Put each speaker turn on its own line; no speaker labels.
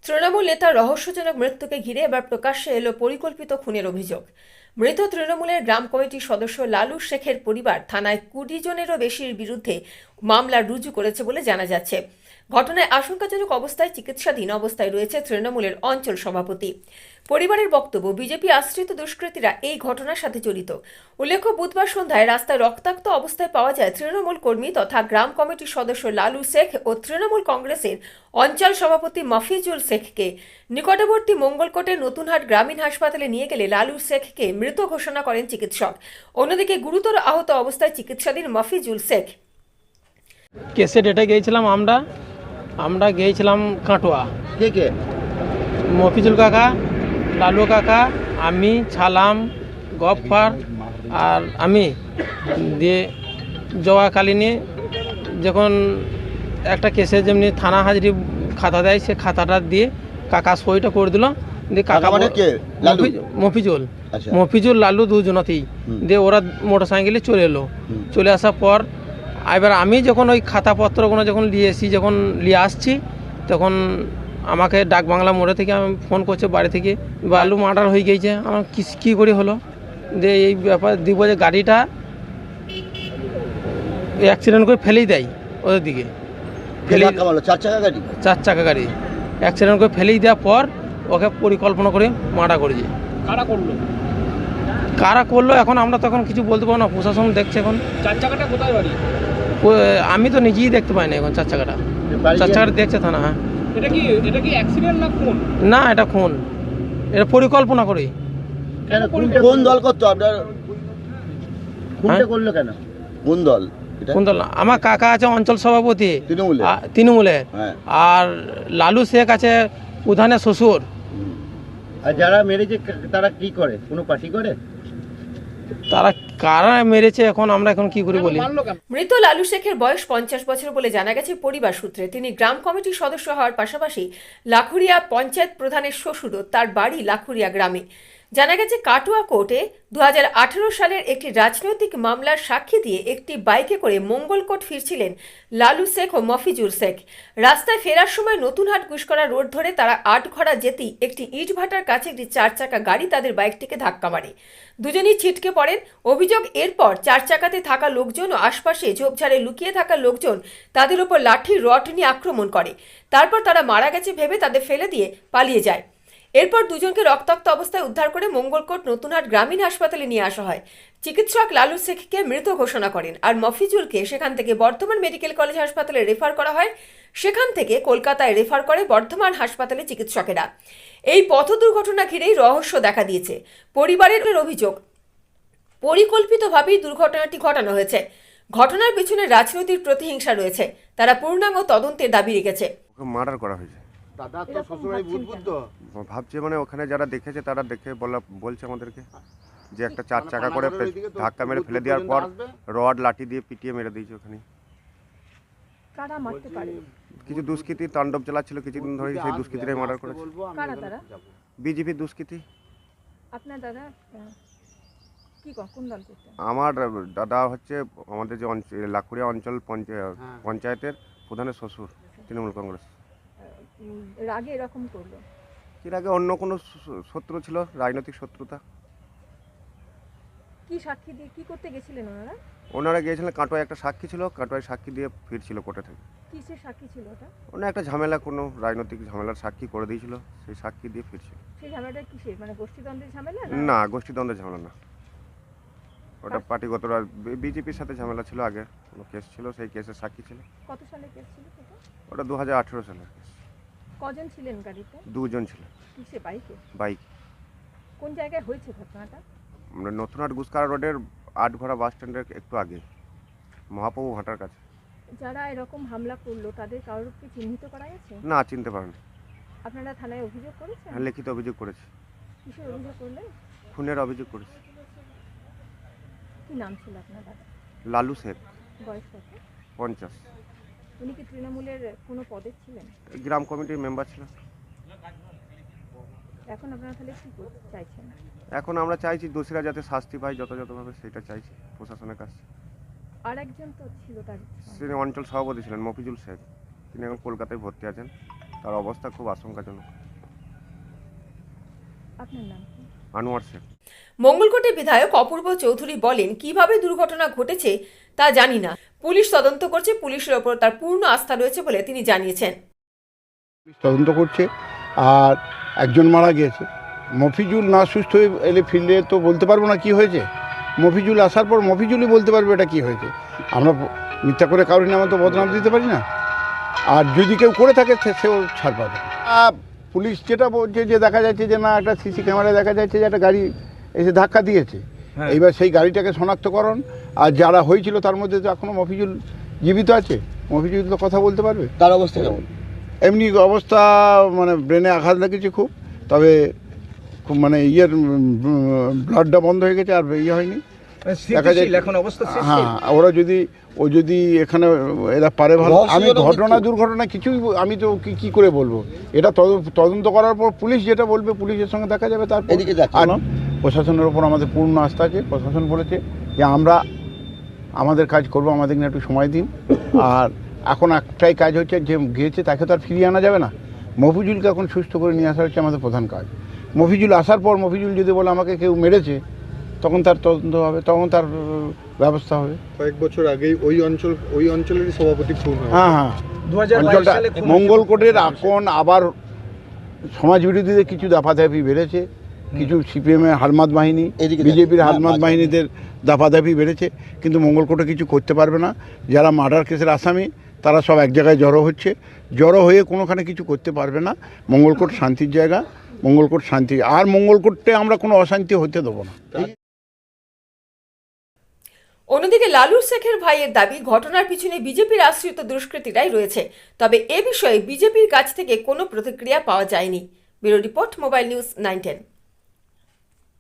তৃণমূল নেতার রহস্যজনক মৃত্যুকে ঘিরে এবার প্রকাশ্যে এলো পরিকল্পিত খুনের অভিযোগ। মৃত তৃণমূলের গ্রাম কমিটির সদস্য লালু শেখের পরিবার থানায় 20 জনেরও বেশির বিরুদ্ধে মামলা রুজু করেছে বলে জানা যাচ্ছে। ঘটনায় আশঙ্কাজনক অবস্থায় চিকিৎসাধীন অবস্থায় রয়েছে তৃণমূলের অঞ্চল সভাপতি। পরিবারের বক্তব্য, বিজেপি আশ্রিত দুষ্কৃতীরা এই ঘটনার সাথে জড়িত। উল্লেখ্য, বুধবার সন্ধ্যায় রাস্তায় রক্তাক্ত অবস্থায় পাওয়া যায় তৃণমূল কর্মী তথা গ্রাম কমিটির সদস্য লালু শেখ ও তৃণমূল কংগ্রেসের অঞ্চল সভাপতি মফিজুল শেখকে। নিকটবর্তী মঙ্গলকোটের নতুনহাট গ্রামীণ হাসপাতালে নিয়ে গেলে লালু শেখকে মৃত ঘোষণা করেন চিকিৎসক। অন্যদিকে গুরুতর আহত অবস্থায় চিকিৎসাধীন মফিজুল শেখ।
কেসে ডেটে গিয়েছিলাম আমরা আমরা গিয়েছিলাম কাটোয়া।
কে কে?
মফিজুল কাকা, লালু কাকা, আমি, ছালাম, গফফার আর আমি দিয়ে যাওয়াকালীনে যখন একটা কেসে যেমনি থানা হাজরি খাতা দেয়, সে খাতাটা দিয়ে কাকা সইটা করে দিল। দিয়ে কাকা
মানে কে? লালু?
মফিজুল
আচ্ছা।
মফিজুল লালু দুজনতেই। দিয়ে ওরা মোটর সাইকেলে চলে এলো। চলে আসার পর এবার আমি যখন ওই খাতাপত্রগুলো যখন নিয়ে আসছি, তখন আমাকে ডাকবাংলা মোড়ে থেকে আমি ফোন করছে বাড়ি থেকে, লালু মার্ডার হয়ে গিয়েছে। আমার কী করে হলো? দিয়ে এই ব্যাপার দিব যে গাড়িটা অ্যাক্সিডেন্ট করে ফেলেই দেয় ওদের দিকে, ফেলেই
4 চাকা গাড়ি?
4 চাকা গাড়ি অ্যাক্সিডেন্ট করে ফেলেই দেওয়ার পর ওকে পরিকল্পনা করে মার্ডার করেছে। কারা করলো এখন আমরা তখন কিছু বলতে পারবো না, প্রশাসন দেখছে এখন।
4 চাকাটা কোথায় বাড়ি?
আমি তো নিজেই দেখতে পাই না এখন 4 চাকাটা। 4 চাকাটা দেখছে থানা। হ্যাঁ,
এটা কি অ্যাক্সিডেন্ট না খুন?
না, এটা খুন। এটা পরিকল্পনা করে।
কেন কোন দল করতো আপনার? খুনটা করলো কেন? কোন দল এটা?
কোন দল? আমার কাকা আছে অঞ্চল সভাপতি
তৃণমূলে।
তৃণমূলে।
হ্যাঁ।
আর লালু শেখ আছে উধানের শ্বশুর।
আর যারা মেরেছে তারা কি করে? কোনো পার্টি করে?
তারা কারা মেরেছে এখন আমরা এখন কি করে বলি?
মৃত লালু শেখের বয়স 50 বছর বলে জানা গেছে পরিবার সূত্রে। তিনি গ্রাম কমিটির সদস্য হওয়ার পাশাপাশি লাখুরিয়া পঞ্চায়েত প্রধানের শ্বশুরও। তার বাড়ি লাখুরিয়া গ্রামে। জানা গেছে কাটোয়া কোর্টে 2018 সালের একটি রাজনৈতিক মামলার সাক্ষী দিয়ে একটি বাইকে করে মঙ্গলকোট ফিরছিলেন লালু শেখ ও মফিজুল শেখ। রাস্তায় ফেরার সময় নতুনহাট গুসকরা রোড ধরে তারা আটঘরা যেতেই একটি ইটভাটার কাছে একটি 4 চাকা গাড়ি তাদের বাইকটিকে ধাক্কা মারে। দুজনই ছিটকে পড়েন। অভিযোগ, এরপর 4 চাকাতে থাকা লোকজন ও আশপাশে ঝোপঝাড়ে লুকিয়ে থাকা লোকজন তাদের উপর লাঠি রড নিয়ে আক্রমণ করে। তারপর তারা মারা গেছে ভেবে তাদের ফেলে দিয়ে পালিয়ে যায়। এরপর দুজনকে রক্তাক্ত অবস্থায় উদ্ধার করে মঙ্গলকোট নতুনহাট গ্রামীণ হাসপাতালে নিয়ে আসা হয়। চিকিৎসক লালু শেখকে মৃত ঘোষণা করেন আর মফিজুলকে সেখান থেকে বর্ধমান মেডিকেল কলেজ হাসপাতালে রেফার করা হয়। সেখান থেকে কলকাতায় রেফার করে বর্ধমান হাসপাতালে চিকিৎসকেরা। এই পথ দুর্ঘটনা ঘিরেই রহস্য দেখা দিয়েছে। পরিবারের অভিযোগ, পরিকল্পিতভাবেই দুর্ঘটনাটি ঘটানো হয়েছে। ঘটনার পিছনে রাজনৈতিক প্রতিহিংসা রয়েছে। তারা পূর্ণাঙ্গ তদন্তের দাবি রেখেছে।
মার্ডার করা হয়েছে।
দাদা তো শ্বশুরবাড়ি বুদ্ধ।
ভাবছে মানে ওখানে যারা দেখেছে তারা দেখে বলছে আমাদেরকে যে একটা 4 চাকা করে ধাক্কা মেরে ফেলে দেওয়ার পর রড লাঠি দিয়ে পিটিয়ে মেরে দিয়েছে ওখানে।
কারা মারতে পারে?
কিছু দুষ্কৃতী তাণ্ডব চালাচ্ছিল কিছুদিন ধরে, সেই দুষ্কৃতীরাই মার্ডার করেছে।
কারা তারা?
বিজেপি দুষ্কৃতী।
আপনার দাদা কি কোন দল করতেন?
আমার দাদা হচ্ছে আমাদের যে লাখুরিয়া অঞ্চল পঞ্চায়েতের প্রধানের শ্বশুর, তৃণমূল কংগ্রেস।
এর আগে এরকম করলো?
এর আগে অন্য কোনো শত্রু ছিল, রাজনৈতিক শত্রুতা।
কি সাক্ষী দিয়ে কি করতে গেছিলেন ওনারা?
ওনারা গিয়েছিলেন কাটোয়ায়, একটা সাক্ষী ছিল, কাটোয়ায় সাক্ষী দিয়ে ফিরছিল কোর্টে থেকে।
কিসের সাক্ষী ছিল ওটা?
ওনার একটা ঝামেলা, কোনো রাজনৈতিক ঝামেলার সাক্ষী করে দিয়েছিল, সেই সাক্ষী দিয়ে ফিরছিল।
সেই ঝামেলাটা কিসের, মানে গোষ্ঠীদ্বন্দ্বের ঝামেলা?
না, গোষ্ঠীদ্বন্দ্বের ঝামেলা না, ওটা পার্টিগত বিজেপির সাথে ঝামেলা ছিল। আগে কোনো কেস ছিল, সেই কেসের সাক্ষী ছিল।
কত সালে কেস ছিল সেটা?
ওটা 2018 সালের কেস।
কজন ছিলেন গাড়িতে?
2 জন ছিল।
কিসে, বাইকে?
বাইক।
কোন জায়গায় হয়েছে ঘটনাটা?
আমরা নতুনহাট গুসকারা রোডের আটঘরা বাস স্ট্যান্ডের একটু আগে, মহাপ্রভু ভাটার কাছে।
যারা এরকম হামলা করলো তাদের কারোর কি চিহ্নিত করা গেছে?
না, চিনতে পারেন।
আপনারা থানায় অভিযোগ করেছেন?
হ্যাঁ, লিখিত অভিযোগ করেছি।
কিসের অভিযোগ করলেন?
খুনের অভিযোগ করেছি।
কি নাম ছিল আপনার দাদা?
লালু শেখ।
বয়স কত?
50।
উনি কি তৃণমূলের কোনো পদে ছিলেন?
গ্রাম কমিটির মেম্বার ছিল।
এখন আপনারা তাহলে কি করতে চাইছেন?
এখন আমরা চাইছি দোষীরা যাতে শাস্তি পায় যথাযথভাবে, সেটা চাইছি প্রশাসনের কাছে।
আর একজন তো ছিল তার,
তিনি অঞ্চল সভাপতি ছিলেন মফিজুল শেখ, তিনি এখন কলকাতায় ভর্তি আছেন। তার অবস্থা খুব আশঙ্কাজনক।
আপনার নাম কি?
আনোয়ার শেখ।
মঙ্গলকোটে বিধায়ক অপূর্ব চৌধুরী বলেন, কিভাবে দুর্ঘটনা ঘটেছে তা জানি না, পুলিশ তদন্ত করছে, পুলিশের ওপর তার পূর্ণ আস্থা রয়েছে বলে তিনি জানিয়েছেন।
তদন্ত করছে আর একজন মারা গিয়েছে। মফিজুল না সুস্থ হয়ে এলে ফিল্ডে তো বলতে পারবো না কি হয়েছে। মফিজুল আসার পর মফিজুলই বলতে পারবে এটা কি হয়েছে। আমরা মিথ্যা করে কারোর নামে তো বদনাম দিতে পারি না। আর যদি কেউ করে থাকে সেও ছাড় পাবে। পুলিশ যেটা বলছে যে দেখা যাচ্ছে যে না একটা সিসি ক্যামেরায় দেখা যাচ্ছে যে একটা গাড়ি এসে ধাক্কা দিয়েছে। এইবার সেই গাড়িটাকে শনাক্তকরণ আর যারা হয়েছিল তার মধ্যে তো এখনও মফিজুল জীবিত আছে। মফিজুল তো কথা বলতে পারবে।
তার অবস্থা কেমন?
এমনি অবস্থা মানে ব্রেনে আঘাত লেগেছে খুব, তবে খুব মানে ব্লাডটা বন্ধ হয়ে গেছে আর ইয়ে হয়নি দেখা যায় এখন অবস্থা। হ্যাঁ, ওরা যদি এখানে এরা পারে ভালো। আমি দুর্ঘটনা কিছুই আমি তো কি করে বলবো। এটা তদন্ত করার পর পুলিশ যেটা বলবে পুলিশের সঙ্গে দেখা যাবে। তারপর আর প্রশাসনের ওপর আমাদের পূর্ণ আস্থা আছে। প্রশাসন বলেছে যে আমরা আমাদের কাজ করব, আমাদেরকে একটু সময় দিন। আর এখন একটাই কাজ হচ্ছে যে গিয়েছে তাকে তো আর ফিরিয়ে আনা যাবে না। মফিজুলকে এখন সুস্থ করে নিয়ে আসা হচ্ছে আমাদের প্রধান কাজ। মফিজুল আসার পর মফিজুল যদি বলে আমাকে কেউ মেরেছে তখন তার তদন্ত হবে, তখন তার ব্যবস্থা হবে।
কয়েক বছর আগেই ওই অঞ্চলেরই সভাপতি খুন হয়।
হ্যাঁ, অঞ্চলটা মঙ্গলকোটের এখন আবার সমাজ বিরোধীদের কিছু দাপাদাপি বেড়েছে। কিছু সিপিএমের হারমাদ বাহিনী, বিজেপির হারমাদ বাহিনীদের দাপাদাপি বেড়েছে, কিন্তু মঙ্গলকোটে কিছু করতে পারবে না। যারা মার্ডার কেসের আসামি তারা সব এক জায়গায় জড়ো হয়ে কোনোখানে কিছু করতে পারবে না। মঙ্গলকোট শান্তির জায়গা, মঙ্গলকোট শান্তি, আর মঙ্গলকোটে আমরা কোনো অশান্তি হতে দেবো না।
অন্যদিকে লালু শেখের ভাইয়ের দাবি, ঘটনার পিছনে বিজেপির আশ্রিত দুষ্কৃতীরাই রয়েছে, তবে এ বিষয়ে বিজেপির কাছ থেকে কোনো প্রতিক্রিয়া পাওয়া যায়নি। Bureau report, mobile news 910।